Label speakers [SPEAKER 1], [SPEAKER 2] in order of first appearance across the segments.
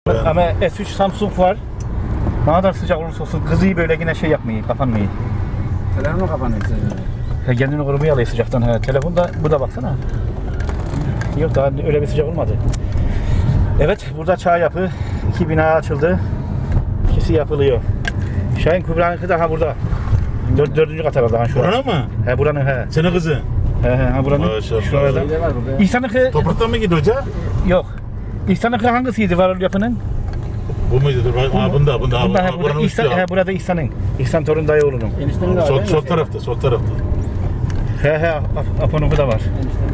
[SPEAKER 1] Ama S3 Samsung var. Ne kadar sıcak olursa olsun kızıyı böyle yine şey yapmayı, kapanmayı.
[SPEAKER 2] Telefonu kapanıyor senin.
[SPEAKER 1] Kendini korumaya alıyor sıcaktan. Telefonda bu da baksana. Yok daha öyle bir sıcak olmadı. Evet, burada çağ yapı. 2 bina açıldı. İkisi yapılıyor. Şahin Kübra'nınki daha burada. Dördüncü kat herhalde. Şu
[SPEAKER 3] Buranın mı?
[SPEAKER 1] Buranın
[SPEAKER 3] Senin kızı.
[SPEAKER 1] Buranın.
[SPEAKER 3] Maşallah.
[SPEAKER 1] Şurada.
[SPEAKER 2] Bir de var burada.
[SPEAKER 1] İhsan'ınki
[SPEAKER 3] Topraktan mı gidiyor hoca?
[SPEAKER 1] yok. İhsan'ınki hangisiydi varol yapının?
[SPEAKER 3] Bu muydu? Dur, bunda.
[SPEAKER 1] Bunda, burada
[SPEAKER 3] Buranın üstü
[SPEAKER 1] İhsan,
[SPEAKER 3] ya.
[SPEAKER 1] burada İhsan'ın. İhsan Torun dayıoğlu'nun.
[SPEAKER 2] Eniştemin de var. değil mi?
[SPEAKER 3] Sol tarafta, sol tarafta.
[SPEAKER 1] Apo'nunki da var.
[SPEAKER 2] Eniştemin.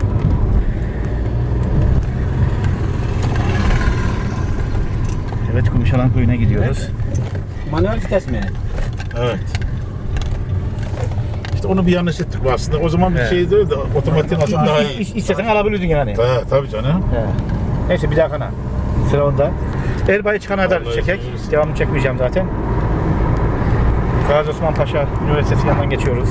[SPEAKER 1] Evet, Kumuşalan Köyü'ne gidiyoruz.
[SPEAKER 2] Manuel vites mi?
[SPEAKER 3] Evet. İşte onu bir yanlış ettik bu aslında. O zaman bir
[SPEAKER 1] Evet.
[SPEAKER 3] şey değil de otomatik aslında daha iyi.
[SPEAKER 1] İstesen alabilirdin yani.
[SPEAKER 3] Tabii canım.
[SPEAKER 1] Neyse bir dahakana. Sıra onda. Erbay'ı çıkana kadar
[SPEAKER 3] Vallahi
[SPEAKER 1] çekek.
[SPEAKER 3] iyiyiz.
[SPEAKER 1] Devamını çekmeyeceğim zaten. Gazi Osman Paşa Üniversitesi yanından geçiyoruz.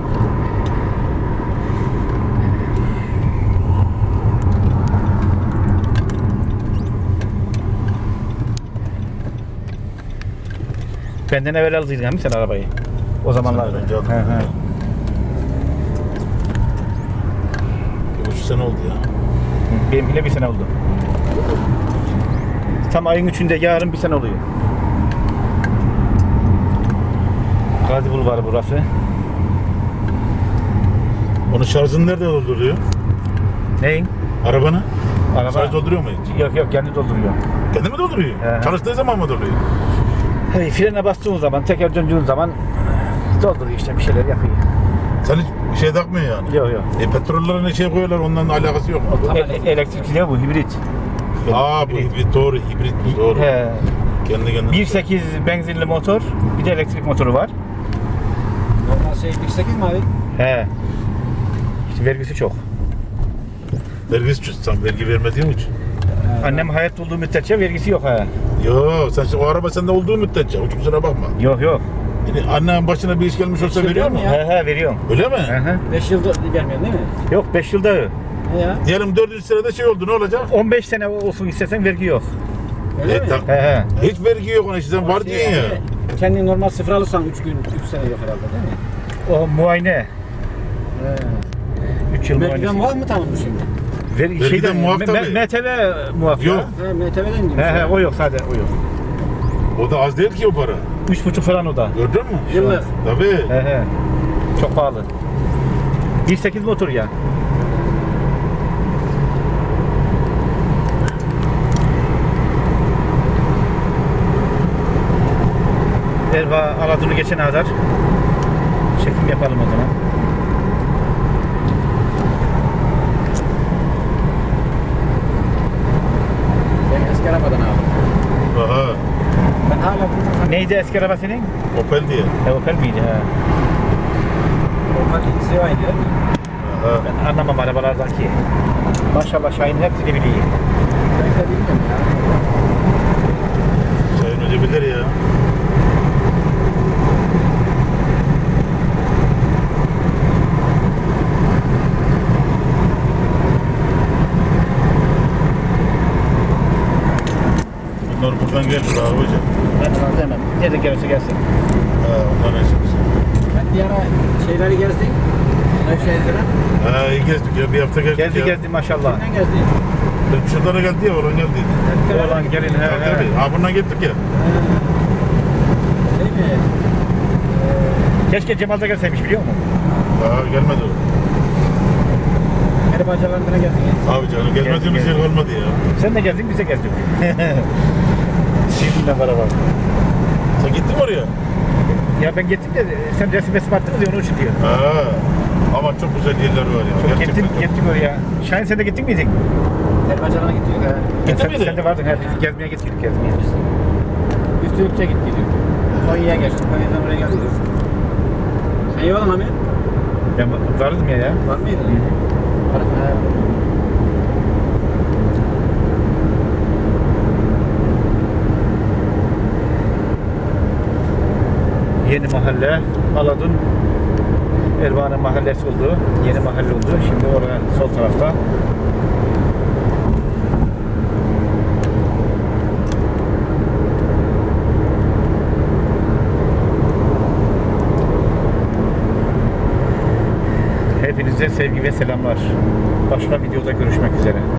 [SPEAKER 1] Benden evvel aldıydın değil mi sen arabayı? O zamanlarda.
[SPEAKER 3] Senden önce aldım.
[SPEAKER 1] He.
[SPEAKER 3] 1,5 sene oldu ya.
[SPEAKER 1] Benimkine bir sene oldu. Tam ayın 3'ünde yarın bir sene oluyor. Gazi Bulvarı burası.
[SPEAKER 3] Onun şarjını nerede dolduruyor?
[SPEAKER 1] Neyin?
[SPEAKER 3] Arabanı?
[SPEAKER 1] Araba.
[SPEAKER 3] Şarj dolduruyor mu hiç?
[SPEAKER 1] Yok kendi dolduruyor.
[SPEAKER 3] Kendi mi dolduruyor?
[SPEAKER 1] He.
[SPEAKER 3] Çalıştığı zaman mı dolduruyor?
[SPEAKER 1] Hey, frene bastığın zaman, teker döndüğün zaman dolduruyor işte bir şeyler yapıyor.
[SPEAKER 3] Sen hiç bir şey takmıyor yani.
[SPEAKER 1] Yok.
[SPEAKER 3] Petrollerine ne şey koyuyorlar, ondan alakası yok mu?
[SPEAKER 1] Elektrikli ne bu? Hibrit.
[SPEAKER 3] Bu hibrit, doğru, hibrit doğru.
[SPEAKER 1] He.
[SPEAKER 3] Kendi kendine.
[SPEAKER 1] 1.8 benzinli motor, bir de elektrik motoru var.
[SPEAKER 2] Normal şey 1.8 mi abi?
[SPEAKER 1] He. İşte vergisi çok.
[SPEAKER 3] Vergisi sen vergi vermediğin için.
[SPEAKER 1] Annem hayatta olduğu müddetçe vergisi yok ha.
[SPEAKER 3] Yo, sen o araba sende olduğu müddetçe, o kusura bakma.
[SPEAKER 1] Yok.
[SPEAKER 3] Yani annen başına bir iş gelmiş olsa
[SPEAKER 2] Hiç
[SPEAKER 3] veriyor mu?
[SPEAKER 2] veriyor mu ya?
[SPEAKER 1] He veriyorum.
[SPEAKER 3] Öyle mi?
[SPEAKER 1] He.
[SPEAKER 2] 5 yılda vermiyorsun değil mi?
[SPEAKER 1] Yok 5 yılda
[SPEAKER 2] Ne ya?
[SPEAKER 3] Diyelim 400 senede şey oldu, ne olacak?
[SPEAKER 1] 15 sene olsun istesen vergi yok.
[SPEAKER 2] Öyle mi?
[SPEAKER 1] He.
[SPEAKER 3] Hiç vergi yok ona, işte sen var diye ya.
[SPEAKER 2] Yani kendin normal sıfır alırsan 3 gün, 3 sene yok herhalde değil mi?
[SPEAKER 1] O muayene. 3 yıl
[SPEAKER 2] Merkiden
[SPEAKER 1] muayenesi.
[SPEAKER 2] muaf mı tamam bu şimdi?
[SPEAKER 3] Vergiden muaf tabii.
[SPEAKER 1] MTV muaf ya.
[SPEAKER 3] Yok.
[SPEAKER 2] MTV'den gibi.
[SPEAKER 1] He o yok sadece o yok.
[SPEAKER 3] O da az değil ki o para.
[SPEAKER 1] 3,5 falan o da.
[SPEAKER 3] Gördün mü?
[SPEAKER 2] Yıllık.
[SPEAKER 3] Tabii.
[SPEAKER 1] He. Çok pahalı. 1.8 motor ya. Erba Aladur'u geçene kadar çekim yapalım o zaman.
[SPEAKER 2] Ben eski arabadan aldım.
[SPEAKER 3] Aha.
[SPEAKER 2] Ben hala bunu
[SPEAKER 1] Neydi eski araba senin?
[SPEAKER 3] Opel diye.
[SPEAKER 1] Opel miydi? He.
[SPEAKER 2] normal ilgisi var değil mi?
[SPEAKER 3] Aha.
[SPEAKER 1] Ben anlamam arabalardan ki. Maşallah Şahin hepsini biliyor.
[SPEAKER 2] Ben de bilmiyorum ya.
[SPEAKER 3] Sayın Hoca bilir ya. Bunlar buradan gelir abi hocam.
[SPEAKER 1] Ben sana demem. Nerede gelirse gelsin.
[SPEAKER 3] Ha, ondan eşimiz.
[SPEAKER 2] Ben bir ara şeyleri gezdik. Nevşehir'den.
[SPEAKER 3] Ha, iyi gezdik ya, bir hafta gezdik ya.
[SPEAKER 1] Gezdi maşallah.
[SPEAKER 2] Kimden gezdik?
[SPEAKER 3] Şuradan geldi ya, oradan geldi.
[SPEAKER 1] Oradan gelin he.
[SPEAKER 3] Tabii tabii. Ha, bundan gittik ya.
[SPEAKER 2] Şey mi?
[SPEAKER 1] Keşke Cemal da gelseymiş biliyor musun?
[SPEAKER 3] Ha, gelmedi o.
[SPEAKER 2] Peri bacalarına gezdik.
[SPEAKER 3] Abi canım, gelmediğimiz yer kalmadı ya.
[SPEAKER 1] Sen de geldin biz de gezdik. Sizinle beraber.
[SPEAKER 3] Sen gittin mi oraya?
[SPEAKER 1] Ya ben gittim de sen resim attınız ya onun için diyor.
[SPEAKER 3] Ha. Ama çok güzel yerler var ya.
[SPEAKER 1] Çok
[SPEAKER 3] Gerçekten.
[SPEAKER 1] gittik oraya. Şahin sen de gittin miydin?
[SPEAKER 2] Peri bacalarına gittik.
[SPEAKER 3] Gittin
[SPEAKER 1] sen,
[SPEAKER 3] miydin?
[SPEAKER 1] sen de vardın. Biz gezmeye gittik gezmeye.
[SPEAKER 2] Üstülükçe gittik. Konya'ya geçtik. Konya'dan oraya geldik. Sen iyi oldun abi.
[SPEAKER 1] Ben vardım ya.
[SPEAKER 2] Var mıydı? Var mı?
[SPEAKER 1] Yeni mahalle. Aladun Erbaa'nın mahallesi oldu. Yeni mahalle oldu. Şimdi oraya sol tarafta. Hepinize sevgi ve selamlar. Başka videoda görüşmek üzere.